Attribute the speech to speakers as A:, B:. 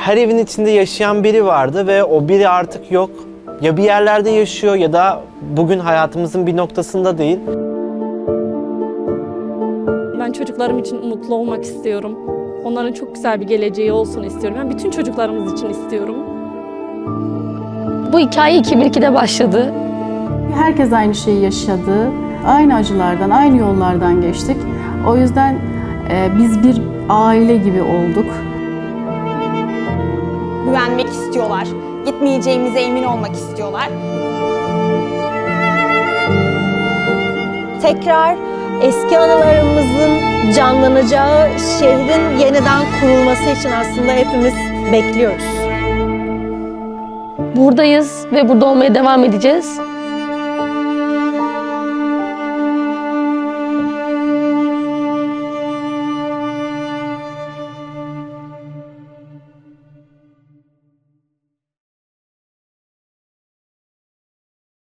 A: her evin içinde yaşayan biri vardı ve o biri artık yok. Ya bir yerlerde yaşıyor ya da bugün hayatımızın bir noktasında değil.
B: Ben çocuklarım için mutlu olmak istiyorum. Onların çok güzel bir geleceği olsun istiyorum. Ben bütün çocuklarımız için istiyorum.
C: Bu hikaye 2002'de başladı.
D: Herkes aynı şeyi yaşadı. Aynı acılardan, aynı yollardan geçtik. O yüzden biz bir aile gibi olduk.
E: Güvenmek istiyorlar. Gitmeyeceğimize emin olmak istiyorlar.
F: Tekrar eski anılarımızın canlanacağı şehrin yeniden kurulması için aslında hepimiz bekliyoruz.
C: Buradayız ve burada olmaya devam edeceğiz.